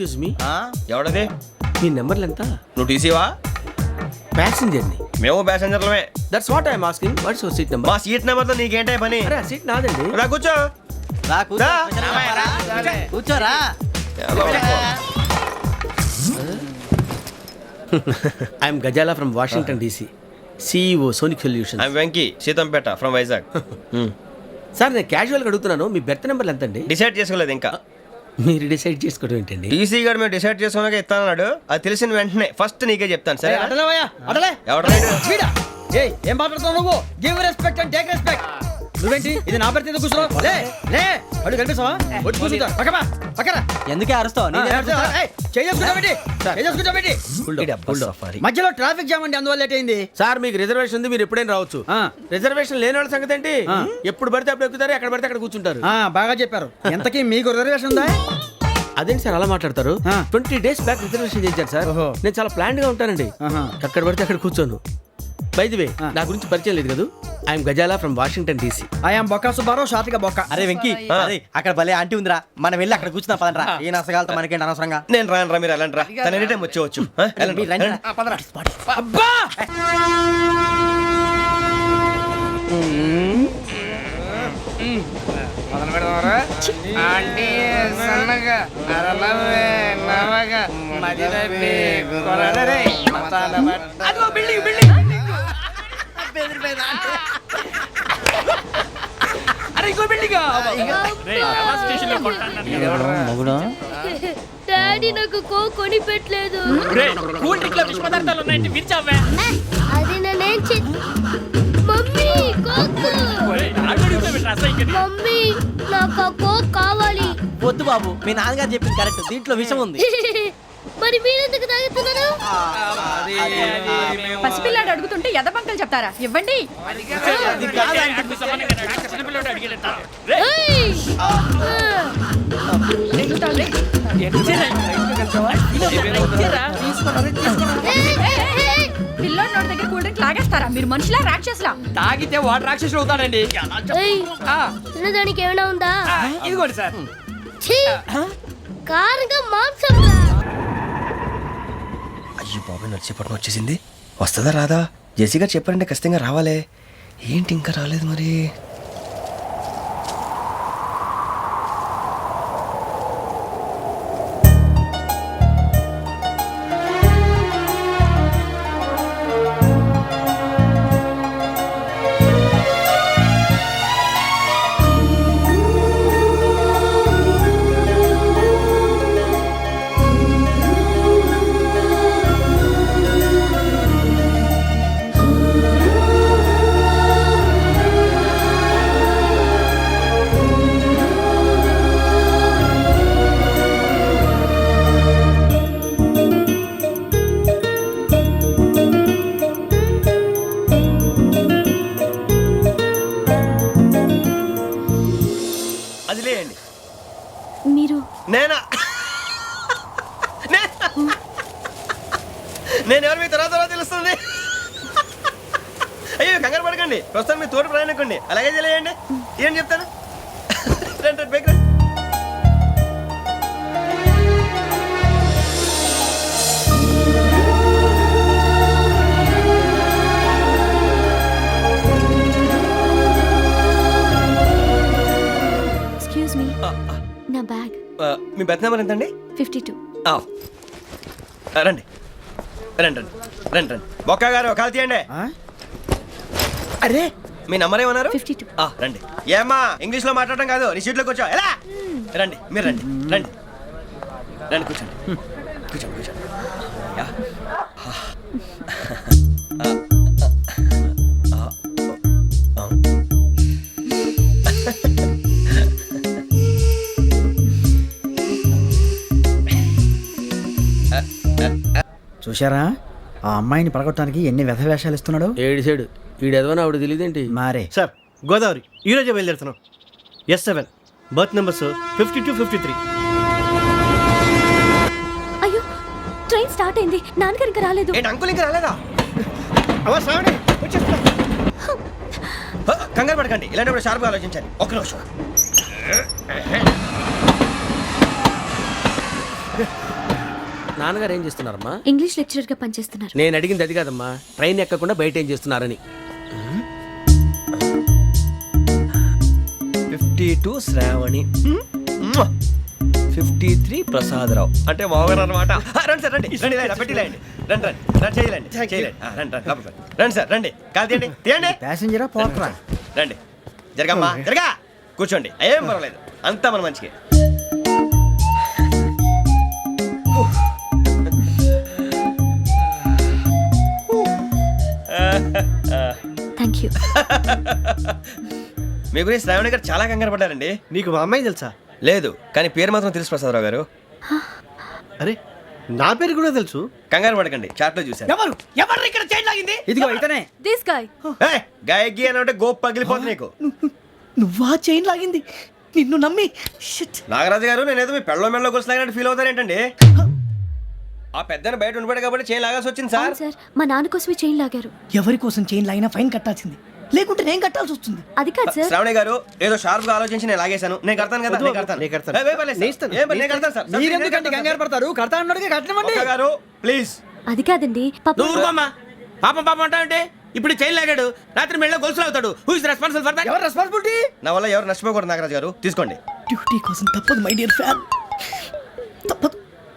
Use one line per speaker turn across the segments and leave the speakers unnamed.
Excuse me,
ఎవడది?
మీ నెంబర్లు ఎంత?
నువ్వు టీసీవా?
ప్యాసింజర్ ని.
మేము ప్యాసెంజర్లమే.
That's what I'm asking. What's your seat number?
మా సీట్ నెంబర్తో నీకేంటే పని?
అరే ఆ సీట్ నాదండి.
రా కూర్చో. రా.
కూర్చోరా.
I'm Gazala from Washington DC, CEO Sonic Solution.
I'm Venky, Seethampeta from Vizag.
Sir నేను క్యాజువల్గా అడుగుతున్నాను, మీ బెర్త్ నెంబర్లు ఎంత అండి?
డిసైడ్ చేసుకోలేదు ఇంకా.
మీరు డిసైడ్ చేసుకోవడం ఏంటండి?
టీసీ గారు మేము డిసైడ్ చేసుకున్నాక ఇస్తానన్నాడు. అది తెలిసిన వెంటనే ఫస్ట్ నీకే చెప్తాను. సరే ఎవడ
ఏం మాట్లాడుతున్నావు నువ్వు? Give respect and take respect. నువ్వేంటి ఇది నా పరిస్థితి? కూర్చో. లే లే, అడుగు కనిపిస్తావా? వచ్చి కూర్చుంటా. పక్కరా. ఎందుకే అరుస్తావు? మధ్యలో ట్రాఫిక్ జామ్ అండి, అందువల్ల లేట్ అయింది.
సార్ మీకు రిజర్వేషన్ ఉంది, మీరు ఎప్పుడైనా రావచ్చు. రిజర్వేషన్ లేని వాళ్ళ సంగతి ఏంటి? ఎప్పుడు పడితే అప్పుడు ఎక్కుతారు, ఎక్కడ పడితే అక్కడ కూర్చుంటారు.
బాగా చెప్పారు. ఎంతకీ మీకు రిజర్వేషన్ ఉందా?
అదేంటి సార్ అలా మాట్లాడతారు? 20 days బ్యాక్ రిజర్వేషన్ చేశారు సార్. నేను చాలా ప్లాన్డ్ గా ఉంటానండి. ఎక్కడ పడితే అక్కడ కూర్చోను. బై ది వే, నా గురించి పరిచయం లేదు కదా. I'm Gazala from Washington DC.
I'm Bokka Subbarao, షాతిక బొక్క.
అరే వెంకీ, అక్కడ భలే ఆంటీ ఉందిరా, మనం వెళ్ళి అక్కడ కూర్చున్నా పదనరా. ఏ నసగాలతో మనకేంటి అనవసరంగా.
నేను రాను రా, మీరు వెళ్ళండి రా. తన ఎనీ టైం వచ్చేవచ్చు.
అబ్బా
డాడీ నాకు కోక్ కొని పెట్టలేదు. అది నేనేం మమ్మీ కోక్. మమ్మీ నాకు కోక్ కావాలి.
వద్దు బాబు, మీ నాన్నగారు చెప్పింది కరెక్ట్, దీంట్లో విషయం ఉంది.
మరి మీరెందుకు తాగుతున్నారు?
పసిపిల్లాడు అడుగుతుంటే ఎదబంకలు చెప్తారా? ఇవ్వండి. పిల్లోడి నోటి దగ్గర కూల్ డ్రింక్ లాగేస్తారా? మీరు మనుషులా రాక్షసులా?
తాగితే వాడు రాక్షసులు అవుతాడండి.
దానికి ఏమైనా ఉందా?
ఇదిగోండి సార్.
కారంగా మాంసం.
అయ్యో బాబాయ్, నడిచేపట్నం వచ్చేసింది. వస్తుందా రాదా? జెసీ గారు చెప్పారంటే ఖచ్చితంగా రావాలే. ఏంటి ఇంకా రాలేదు మరి?
మీరు
నేనా? నేను ఎవరు మీ తర్వాత తెలుస్తుంది. అయ్యో కంగారు పడకండి, ప్రస్తుతం మీ తోటి ప్రయాణకండి. అలాగే తెలియండి. ఏం చెప్తాను? రండి బైక్ రండి.
ఎక్స్క్యూజ్ మీ, నా బ్యాగ్.
మీ బెత్ నెంబర్ ఎంతండి?
52.
రండి రండి రండి రండి రండి. బొక్క గారు కాల్ తీయండి.
అరే
మీ నంబర్ ఏమన్నారు?
52.
రండి. ఏమ్మా ఇంగ్లీష్ లో మాట్లాడడం కాదు, నీ సీట్లోకి వచ్చా. ఎలా రండి, మీరు రండి రండి రండి, కూర్చోండి కూర్చోండి కూర్చోండి.
చూశారా, ఆ అమ్మాయిని పడగొట్టడానికి ఎన్ని వ్యధ వేషాలు ఇస్తున్నాడు.
ఏడు సైడు ఈడు ఎదవని ఆవిడ తెలియదేంటి?
మారే
సార్, గోదావరి ఈరోజే బయలుదేరుతున్నాం. S7 berth numbers 52, 53.
అయ్యో, ట్రైన్ స్టార్ట్ అయింది. నాన్నగారు ఇంకా రాలేదు.
ఏంటి అంకుల్ ఇంకా రాలేదా?
వచ్చేస్తున్నా.
కంగారు పడకండి, ఇలాంటప్పుడు షార్ప్గా ఆలోచించండి. ఒక్క నిమిషం.
నాన్నగారు ఏం చేస్తున్నారమ్మా?
ఇంగ్లీష్ లెక్చరర్ గా పనిచేస్తున్నారు.
నేను అడిగింది అది కాదమ్మా, ట్రైన్ ఎక్కకుండా బయట ఏం చేస్తున్నారని.
52 శ్రావణి, 53 ప్రసాదరావు అంటే మామగారు అనమాట. రండి సార్, రండి రండి, ఇలా పెట్టి లేండి, రండి రండి రండి, చేయలేండి చేయలేండి, రండి రండి లోపలికి రండి. రండి సార్, రండి, కాలు తీయండి తీయండి,
ప్యాసింజరా పోట్రా.
రండి, జరగమ్మా జరగా, కూర్చోండి, ఏం పర్వాలేదు, అంతా మన మంచికి.
Thank you.
మీ గురించి శ్రావణి గారు చాలా కంగారు పడ్డారండి.
నీకు మా అమ్మాయి తెలుసా?
లేదు, కానీ పేరు మాత్రం తెలుసు ప్రసాదరావు గారు.
అరే నా పేరు కూడా తెలుసు.
కంగారు పడకండి, చాట్లో చూశాను.
ఎవరు ఎవరు ఇక్కడ చైన్ లాగింది? ఇదిగో ఇతనే.
This guy.
గాయకి అని అంటే గోప్ పగిలిపోతుంది నీకు.
నువ్వా చైన్ లాగింది? నిన్ను నమ్మి షిట్.
నాగరాజు గారు, నేనేదో మీ పెళ్ళ మెళ్ళ గురిసిలాగినట్టు ఫీల్ అవుతారేంటండి? ఆ పెద్దని బయట ఉండిపోయాడు కాబట్టి చేయి లాగాల్సి వచ్చింది సార్.
అవును సార్, మా నాన్న కోసమే చైన్ లాగారు.
ఎవరి కోసం చైన్ లాగినా ఫైన్ కట్టాల్సింది, లేకుంటే నేను కట్టాల్సి వస్తుంది.
అది కాదు సార్.
శ్రావణి గారు ఏదో షార్ప్ గా ఆలోచించి నేను లాగేశాను. నేను కడతాను కదా, నేను కడతాను.
నేను కడతాను.
ఏ, పర్లేదు సార్.
నేను ఇస్తాను.
ఏ, నేను కడతాను సార్.
మీరెందుకంటే కంగారు పడతారు? కడతా అన్నాడుగా కట్టమండి.
ఒక్క గారు ప్లీజ్.
అది కాదండి పాప.
నువ్వు ఊరుకోమ్మా. పాపం పాపం అంటావంటే ఇప్పుడు చైన్ లాగాడు, రాత్రి మెళ్ళ గొలుసులు అవుతాడు. Who is responsible for that?
ఎవరు రెస్పాన్సిబిలిటీ?
నా వల్ల ఎవరు నష్టపోకూడదు నాగరాజు గారు, తీసుకోండి.
డ్యూటీ కోసం తప్పదు మై డియర్ ఫ్యాన్, తప్పదు.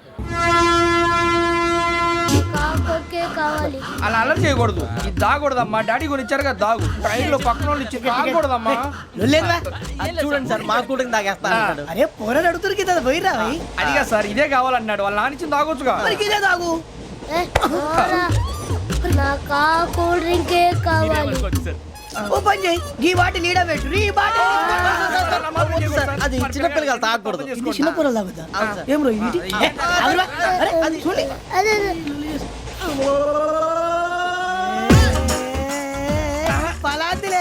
కాకొక్కే కావాలి.
అలా అలర్ చేయకూడదు. ఇది దాగకూడదమ్మా. డాడీ కొని ఇచ్చారు కదా దాగు. ట్రైన్ లో పక్కన వాళ్ళు ఇచ్చి దాగకూడదమ్మా.
లేదురా.
అది చూడండి సార్, మా కూడా తాగేస్తా అంటాడు.
అరే పోరాడు అడుగుతారు కదా పోయిరా.
అదిగా సార్, ఇదే కావాలన్నాడు. వాళ్ళ నాన్న ఇచ్చింది తాగొచ్చుగా.
మరి ఇదే తాగు.
ఏ, పోరా. నాకు ఆ కూల్ డ్రింకే కావాలి.
ఓ పని చేయి, ఈ బాటి లీడ పెట్టు. ఈ బాటి
అది చిన్నపిల్లలు తాగకూడదు.
ఇది చిన్న పొరలు తాగుతా. ఏం రో ఇది? ఏ, ఆగురా. అరే అది చూడండి.
అదే
పలాతిలే.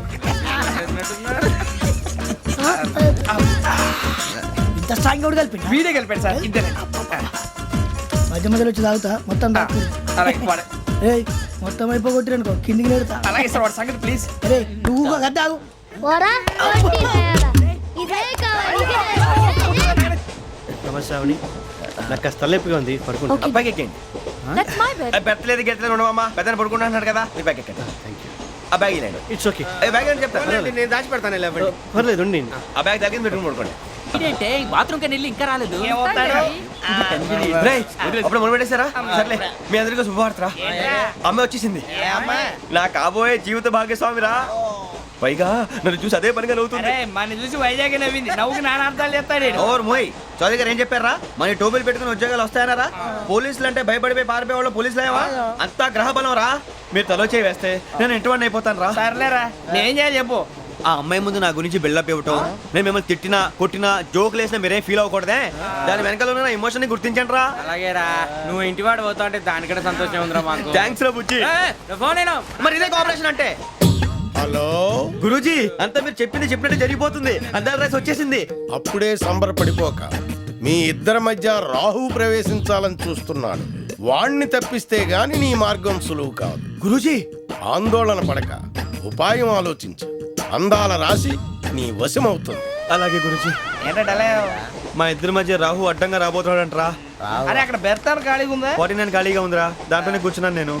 ఇంత స్ట్రాంగ్ కూడా కలిపి
వీడే గెలిపాడు సార్, ఇద్దరే.
మధ్య మధ్యలో వచ్చి తాగుతా మొత్తం తాగు.
అలాగే వాడు-
ఏయ్ మొత్తం అయిపోగొట్టిరనుకో కిందికి నేడుతా.
అలాగే సార్, వాడు సంగతి ప్లీజ్.
అరే నువ్వు కదా తాగు.
పోరా. వడ్డీ తయారా. ఇదే కావాలి, ఇదే.
నమస్తే శ్రావణి, నాకు కాస్త తలెప్పిగా ఉంది, పడుకుంటా.
Okay.
బ్యాగ్ ఎక్కండి.
That's my bed.
పెట్టలేదు గెట్టలేదు ఉండవమ్మా. పెద్దని పడుకుంటున్నాడు కదా, మీ బ్యాగ్ ఎక్కండి. ఆ బ్యాగ్ ఇలాండి.
It's okay.
బ్యాగ్ అని చెప్తాను.
నేను దాచి పెడతాను.
పర్లేదు ఉండి.
ఆ బ్యాగ్ తగ్గింది పెట్టుకుని పడుకోండి.
బాత్రూమ్ కని వెళ్ళి ఇంకా రాలేదు.
రేయ్, అప్పుడు మొదలు పెట్టేశారా? సర్లే, మీ అందరికీ శుభవార్తరా. అమ్మాయి వచ్చేసింది. నా కాబోయే జీవిత భాగ్యస్వామిరా. పైగా నన్ను చూసి అదే పనిగా నవ్వుతుంది.
మన చూసి వైజాగ్ నవ్వింది. నవ్వుకి నాన్న అర్థాలు చెప్తాడు.
ఓర్ మోయ్, చౌదరి గారు ఏం చెప్పారా? మన టోబీలు పెట్టుకుని ఉద్యోగాలు వస్తాయనరా? పోలీసులు అంటే భయపడిపోయి పారిపోయే వాళ్ళు పోలీసులు అయ్యవా? అంతా గ్రహ బలం రా. మీరు తలో చేయి వేస్తే నేను ఇంటివాడిని అయిపోతాను రా.
సర్లేరా, నేనేం చేయాలి చెప్పు.
ఆ అమ్మాయి ముందు నా గురించి బిల్డప్ ఇవ్వటం, నేను మిమ్మల్ని తిట్టినా కొట్టినా జోకులు వేసినా మీరేం ఫీల్ అవ్వకూడదే. దాని వెనకాల ఉన్న ఎమోషన్ ని గుర్తించండి రా.
అలాగేరా, నువ్వు ఇంటి వాడు పోతా అంటే దానికంటే సంతోషం ఉందిరా మాకు.
థ్యాంక్స్ రా బుజ్జి.
ఫోన్ అయినా
మరి ఇదే కోఆపరేషన్ అంటే.
హలో
గురూజీ, అంతా మీరు చెప్పింది చెప్పినట్టు జరిగిపోతుంది. అందాల రైస్ వచ్చేసింది.
అప్పుడే సంబరపడిపోక, మీ ఇద్దరి మధ్య రాహు ప్రవేశించాలని చూస్తున్నాడు. వాణ్ణి తప్పిస్తే గాని నీ మార్గం సులువు కాదు.
గురూజీ,
ఆందోళన పడక, ఉపాయం ఆలోచించు. అందాల రాశి నీ వశమవుతుంది.
అలాగే గురూజీ.
ఏంటంటే
మా ఇద్దరి మధ్య రాహు అడ్డంగా రాబోతున్నాడంట్రా.
అరే అక్కడ బెర్తాను ఖాళీగా ఉందా?
49 ఖాళీగా ఉందిరా, దాంట్లోనే కూర్చున్నాను నేను.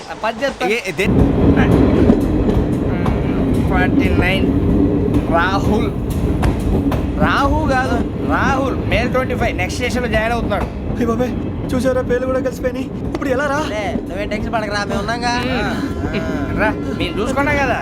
49 రాహుల్. రాహు కాదు, రాహుల్. మే 25 నెక్స్ట్ స్టేషన్ లో జాయిన్ అవుతున్నాడు.
బాబాయ్, చూసారా పేర్లు కూడా కలిసిపోయినాయి. ఇప్పుడు ఎలా రా?
నువ్వేం టెన్షన్ పడకరా, మేము ఉన్నాగా.
రా, మీరు చూసుకున్నా కదా.